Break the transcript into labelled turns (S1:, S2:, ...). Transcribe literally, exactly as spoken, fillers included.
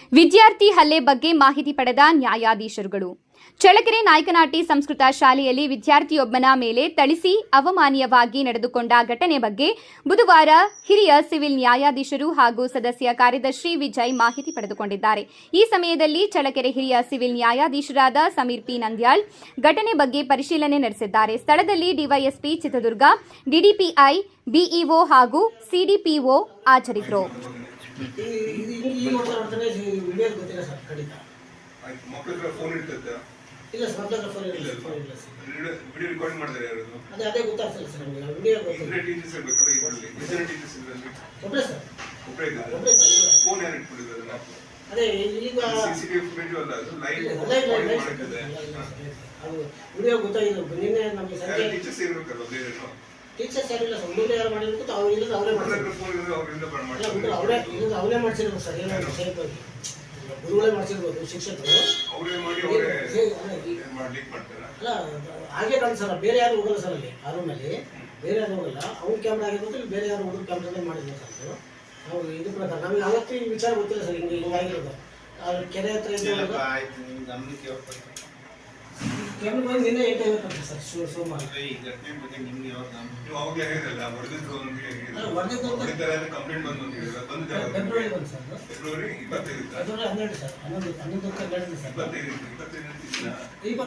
S1: ವಿದ್ಯಾರ್ಥಿ ಹಲ್ಲೆ ಬಗ್ಗೆ ಮಾಹಿತಿ ಪಡೆದ ನ್ಯಾಯಾಧೀಶರುಗಳು. ಚಳ್ಳಕೆರೆ ನಾಯಕನಹಟ್ಟಿ ಸಂಸ್ಕೃತ ಶಾಲೆಯಲ್ಲಿ ವಿದ್ಯಾರ್ಥಿಯೊಬ್ಬನ ಮೇಲೆ ಥಳಿಸಿ ಅವಮಾನೀಯವಾಗಿ ನಡೆದುಕೊಂಡ ಘಟನೆ ಬಗ್ಗೆ ಬುಧವಾರ ಹಿರಿಯ ಸಿವಿಲ್ ನ್ಯಾಯಾಧೀಶರು ಹಾಗೂ ಸದಸ್ಯ ಕಾರ್ಯದರ್ಶಿ ವಿಜಯ್ ಮಾಹಿತಿ ಪಡೆದುಕೊಂಡಿದ್ದಾರೆ. ಈ ಸಮಯದಲ್ಲಿ ಚಳ್ಳಕೆರೆ ಹಿರಿಯ ಸಿವಿಲ್ ನ್ಯಾಯಾಧೀಶರಾದ ಸಮೀರ್ ಪಿ ನಂದ್ಯಾಳ್ ಘಟನೆ ಬಗ್ಗೆ ಪರಿಶೀಲನೆ ನಡೆಸಿದ್ದಾರೆ. ಸ್ಥಳದಲ್ಲಿ ಡಿವೈಎಸ್ಪಿ ಚಿತ್ರದುರ್ಗ, ಡಿಡಿಪಿಐ, ಬಿಇಒ ಹಾಗೂ ಸಿಡಿಪಿಒ ಹಾಜರಿದ್ದರು.
S2: ಇಲ್ಲ ಸರ್, ಮಕ್ಕಳ ಫೋನ್ ಇಲ್ಲ ಫೋನ್ ಇಲ್ಲ ಸರ್. ವಿಡಿಯೋ ರೆಕಾರ್ಡ್ ಮಾಡಿದ್ದಾರೆ ಯಾರು? ಅದೇ ಅದೇ ಗೊತ್ತಾಗ್ತಿಲ್ಲ ಸರ್ ನಮಗೆ. ವಿಡಿಯೋ ಗೊತ್ತಿಲ್ಲ. ಟೀಚರ್ಸ್ ಇರಬೇಕಲ್ಲ ಇದರಲ್ಲಿ. ಎಷ್ಟು ಟೀಚರ್ಸ್ ಇದ್ದಾರೆ? ಒಬ್ಬರೇ ಸರ್. ಒಬ್ಬರೇ ಇದ್ದಾರೆ. ಒಬ್ಬರೇ ಸರ್. ಫೋನ್ ಯಾರು ಇಟ್ಕೊಂಡಿದ್ದಾರೆ ಅದನ್ನ? ಅದೇ ಈಗ ಸಿಸಿಟಿವಿ ಫುಟೇಜ್ ಅಲ್ಲ, ಅದು ಲೈವ್ ಲೈವ್ ಮಾಡ್ತಿದೆ. ಅದು ವಿಡಿಯೋ ಗೊತ್ತಾಗಿಲ್ಲ. ನಿನ್ನೆ ನಮಗೆ ಸಂಜೆ ಟೀಚರ್ಸ್ ಇರಬೇಕಲ್ಲ ಬೇರೆನೋ. ಟೀಚರ್ಸ್ ಯಾರಿಲ್ಲ ಸರ್. ಮುಂದೆ ಯಾರು ಮಾಡಿರ್ಬೇಕು ಅವ್ರು ಇಲ್ಲ ಅವರೇ ಮಾಡ್ತಾರೆ. ಫೋನ್ ಇರೋದು ಅವರಿಂದ ಮಾಡ್ತಾರೆ. ಅವರೇ ಇದು ಅವರೇ ಮಾಡಿಸಿರ್ಬೇಕು ಸರ್. ಏನೋ ಸೇಫಾಗಿ ಗುರುಗಳೇ ಮಾಡಿಸಿರ್ಬೋದು ಶಿಕ್ಷಕರು. ಅವರೇ ಮಾಡಿ ಅವರೇ ಮಾಡ್ಲಿಕ್ಕೆ ಮಾಡ್ತಾರೆ. ಅಲ್ಲ ಹಾಗೆ ಕಾಣ ಸರ್. ಬೇರೆ ಯಾರು ಹೋಗಲ್ಲ ಸರ್ ಅಲ್ಲಿ ಆ ರೂಮಲ್ಲಿ. ಬೇರೆ ಯಾರು ಹೋಗಲ್ಲ. ಅವ್ರ ಕ್ಯಾಮ್ರಾ ಆಗಿರ್ಬೋದು, ಇಲ್ಲಿ ಬೇರೆ ಯಾರು ಹುಡುಗ ಕ್ಯಾಮ್ರಾದಲ್ಲಿ ಮಾಡಿದ್ರು ಸರ್. ನಾವು ಇದು ಪ್ರಕಾರ ನಮಗೆ ಅವತ್ತು ಈ ವಿಚಾರ ಗೊತ್ತಿಲ್ಲ ಸರ್. ಹಿಂಗೆ ಹಿಂಗಾಗಿರೋದು ಕೆರೆ ಹತ್ರ ಕ್ಯಾಮ್ರಾ ಬಂದು ನಿನ್ನೆ ಏಟ್ ಆಗಿರುತ್ತೆ ಸರ್. ಸೋಮವಾರ ಕಂಪ್ಲೇಂಟ್ ಬಂದು ಫೆಬ್ರವರಿ ಬಂದು ಸರ್. ಫೆಬ್ರವರಿ ಇಪ್ಪತ್ತೈದು ಫೆಬ್ರವರಿ ಹನ್ನೆರಡು ಸರ್. ಹನ್ನೊಂದು ಹನ್ನೊಂದು ಸರ್.